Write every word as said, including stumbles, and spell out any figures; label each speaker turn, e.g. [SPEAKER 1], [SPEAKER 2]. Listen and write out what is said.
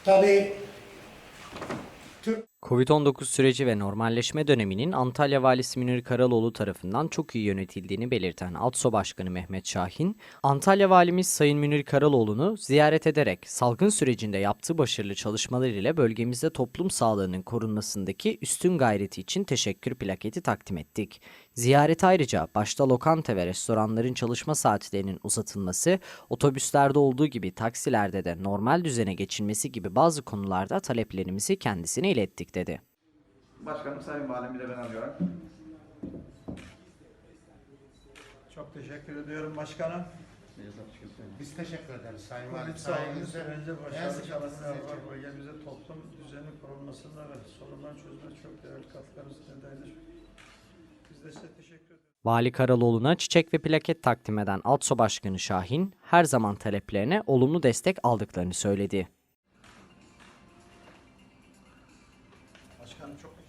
[SPEAKER 1] Tabii Türk
[SPEAKER 2] Covid on dokuz süreci ve normalleşme döneminin Antalya Valisi Münir Karaloğlu tarafından çok iyi yönetildiğini belirten ALTSO Başkanı Mehmet Şahin, Antalya Valimiz Sayın Münir Karaloğlu'nu ziyaret ederek salgın sürecinde yaptığı başarılı çalışmalar ile bölgemizde toplum sağlığının korunmasındaki üstün gayreti için teşekkür plaketi takdim ettik. Ziyaret ayrıca başta lokanta ve restoranların çalışma saatlerinin uzatılması, otobüslerde olduğu gibi taksilerde de normal düzene geçilmesi gibi bazı konularda taleplerimizi kendisine ilettik dedi.
[SPEAKER 3] Başkanım, Sayın Valim, bir de ben alıyorum.
[SPEAKER 4] Çok teşekkür ediyorum başkanım.
[SPEAKER 1] biz teşekkür ederiz Sayın Valim.
[SPEAKER 4] Covid salgını
[SPEAKER 1] Sayenizde
[SPEAKER 4] sürecince
[SPEAKER 1] en
[SPEAKER 4] başarılı
[SPEAKER 1] sıkı
[SPEAKER 4] çalışmalar
[SPEAKER 1] sizi
[SPEAKER 4] var. Bölgemizde toplum düzeni korunmasında ve sorunlar çözümünde çok değerli katkılarınız nedeniyle biz de size teşekkür ederiz.
[SPEAKER 2] Vali Karaloğlu'na çiçek ve plaket takdim eden ALTSO Başkanı Şahin, her zaman taleplerine olumlu destek aldıklarını söyledi.
[SPEAKER 4] Başkanım çok